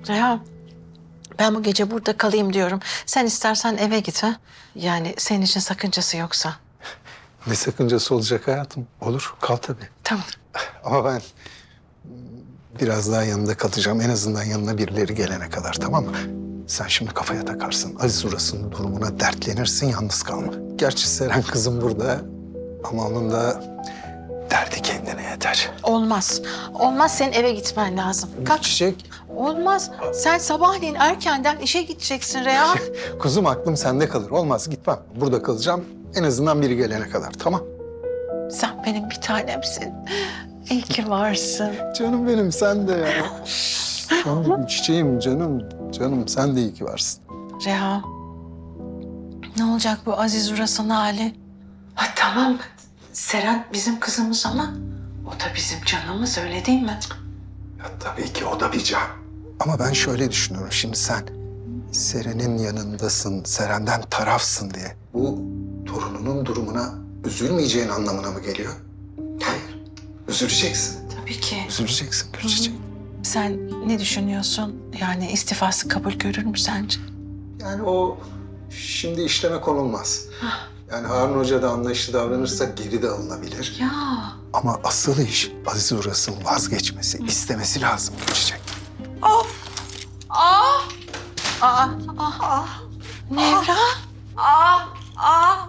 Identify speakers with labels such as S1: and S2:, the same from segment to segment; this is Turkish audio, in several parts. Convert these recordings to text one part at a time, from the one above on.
S1: Reha, ben bu gece burada kalayım diyorum. Sen istersen eve git ha. Yani senin için sakıncası yoksa.
S2: Ne sakıncası olacak hayatım? Olur, kal tabii.
S1: Tamam.
S2: Ama ben biraz daha yanında kalacağım. En azından yanına birileri gelene kadar, tamam mı? Sen şimdi kafaya takarsın. Aziz Uras'ın durumuna dertlenirsin, yalnız kalma. Gerçi Seren kızım burada ama onun da derdi kendine yeter.
S1: Olmaz. Olmaz, senin eve gitmen lazım. Kalk.
S2: Çiçek,
S1: Olmaz. Sen sabahleyin erkenden işe gideceksin Reha.
S2: kuzum aklım sende kalır. Olmaz, gitmem. Burada kalacağım. En azından biri gelene kadar, tamam?
S1: Sen benim bir tanemsin. İyi ki varsın.
S2: Canım benim, sen de ya. Canım, çiçeğim, canım. Canım, sen de iyi ki varsın.
S1: Reha, ne olacak bu Aziz Uras'ın hali? Ha, tamam, Seren bizim kızımız ama o da bizim canımız, öyle değil mi?
S2: Ya tabii ki o da bir can. Ama ben şöyle düşünüyorum. Şimdi sen Seren'in yanındasın, Seren'den tarafsın diye. Bu torununun durumuna üzülmeyeceğin anlamına mı geliyor? Hayır. Üzüleceksin.
S1: Tabii ki.
S2: Üzüleceksin Gülçiçek.
S1: Sen ne düşünüyorsun? Yani istifası kabul görür mü sence?
S2: Yani o şimdi işleme konulmaz. Yani Harun Hoca da anlayışlı davranırsa geri de alınabilir.
S1: Ya.
S2: Ama asıl iş Aziz Uras'ın vazgeçmesi, istemesi lazım Gülçiçek.
S1: Of. Ah. Ah. Ah. Ah. Nevra.
S3: Ah, ah,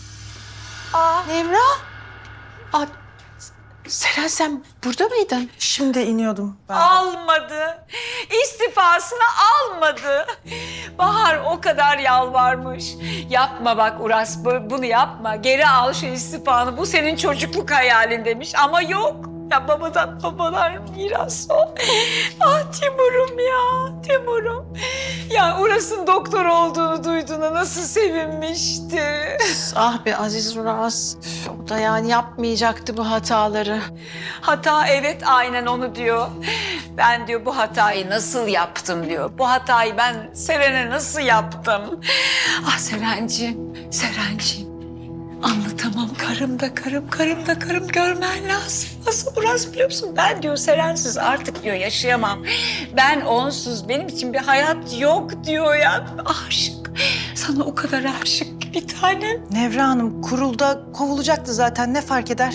S3: ah.
S1: Nevra. Ah. Seren, sen burada mıydın?
S4: Şimdi iniyordum ben.
S3: Almadı. İstifasını almadı. Bahar o kadar yalvarmış. Yapma bak Uras, bunu yapma. Geri al şu istifanı. Bu senin çocukluk hayalin demiş ama yok. Ya babalar miras o. Ah Timur'um ya, Timur'um. Ya Uras'ın doktor olduğunu duyduğuna nasıl sevinmişti.
S1: Ah be Aziz Uras. Üf, o da yani yapmayacaktı bu hataları.
S3: Hata, evet, aynen onu diyor. Ben diyor bu hatayı nasıl yaptım diyor. Bu hatayı ben Seren'e nasıl yaptım? Ah Serenciğim, Serenciğim. Anlatamam, karım da karım görmen lazım. Nasıl Uras biliyor musun? Ben diyor Serensiz artık diyor yaşayamam. Ben onsuz benim için bir hayat yok diyor ya. Aşık, sana o kadar aşık ki bir tanem.
S4: Nevra Hanım kurulda kovulacaktı zaten, ne fark eder?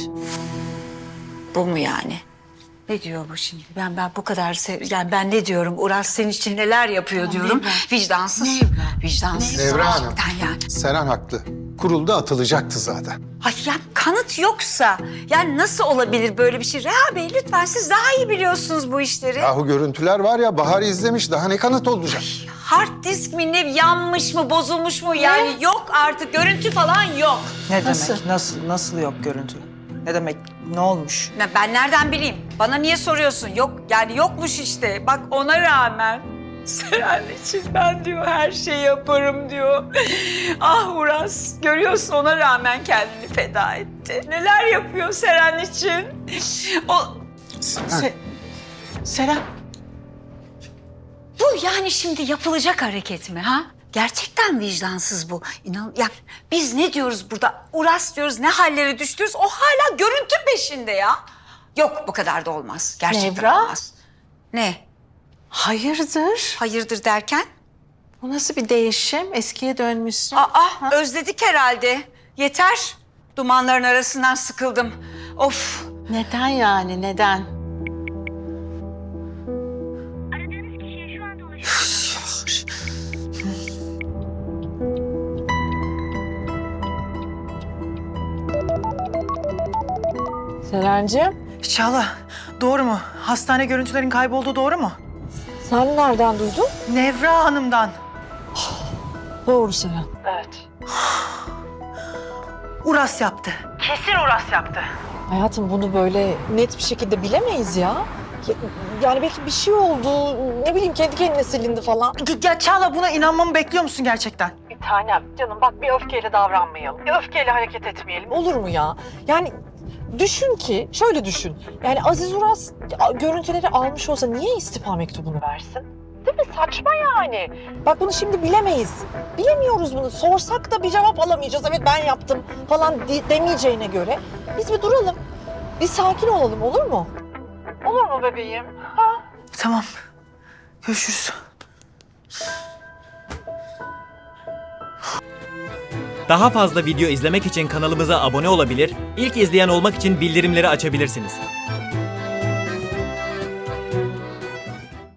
S3: Bu mu yani? Ne diyor bu şimdi? Ben bu kadar yani ben ne diyorum? Uras senin için neler yapıyor diyorum. Vicdansız. Vicdansız.
S2: Nevra Hanım.
S3: Gerçekten yani.
S2: Seren haklı. Kurulda atılacaktı zaten.
S3: Ay ya kanıt yoksa yani nasıl olabilir böyle bir şey? Reha Bey lütfen siz daha iyi biliyorsunuz bu işleri.
S2: Yahu görüntüler var ya, Bahar izlemiş. Daha ne kanıt olacak?
S3: Hard disk mi ne yanmış mı bozulmuş mu yani yok artık görüntü falan yok.
S4: Ne
S1: Nasıl?
S4: demek? Nasıl yok görüntü? Ne demek? Ne olmuş?
S3: Ya ben nereden bileyim? Bana niye soruyorsun? Yok yani yokmuş işte. Bak ona rağmen Seren için ben diyor her şeyi yaparım diyor. Ah Uras görüyorsun ona rağmen kendini feda etti. Neler yapıyor Seren için? O
S1: Seren.
S3: bu yani şimdi yapılacak hareket mi ha? Gerçekten vicdansız bu. İnan ya biz ne diyoruz burada? Uras diyoruz ne hallere düştüyoruz. O hala görüntü peşinde ya. Yok bu kadar da olmaz. Gerçekten
S1: Nevra?
S3: olmaz. Ne?
S1: Hayırdır?
S3: Hayırdır derken?
S1: Bu nasıl bir değişim? Eskiye dönmüşsün.
S3: Aa, özledik herhalde. Yeter. Dumanların arasından sıkıldım. Of.
S1: Neden yani, neden?
S5: Aradığınız kişiye şu anda ulaşılamıyor.
S6: Serencim,
S4: Çağla, doğru mu? Hastane görüntülerin kaybolduğu doğru mu?
S6: sen nereden duydun?
S4: Nevra Hanım'dan.
S6: Doğru Seren.
S4: Uras yaptı. Kesin Uras yaptı.
S6: Hayatım bunu böyle net bir şekilde bilemeyiz ya. Yani belki bir şey oldu, ne bileyim kendi kendine silindi falan.
S4: Ya Çağla buna inanmamı bekliyor musun gerçekten?
S6: Bir tanem canım bak bir öfkeyle davranmayalım. Bir öfkeyle hareket etmeyelim. Olur mu ya? Yani düşün ki, şöyle düşün. Yani Aziz Uras görüntüleri almış olsa niye istifa mektubunu versin? Değil mi? Saçma yani. Bak bunu şimdi bilemeyiz. Bilemiyoruz bunu. Sorsak da bir cevap alamayacağız. Evet ben yaptım falan demeyeceğine göre. Biz bir duralım. Bir sakin olalım olur mu? Olur mu bebeğim?
S4: Tamam. Görüşürüz.
S7: Daha fazla video izlemek için kanalımıza abone olabilir, ilk izleyen olmak için bildirimleri açabilirsiniz.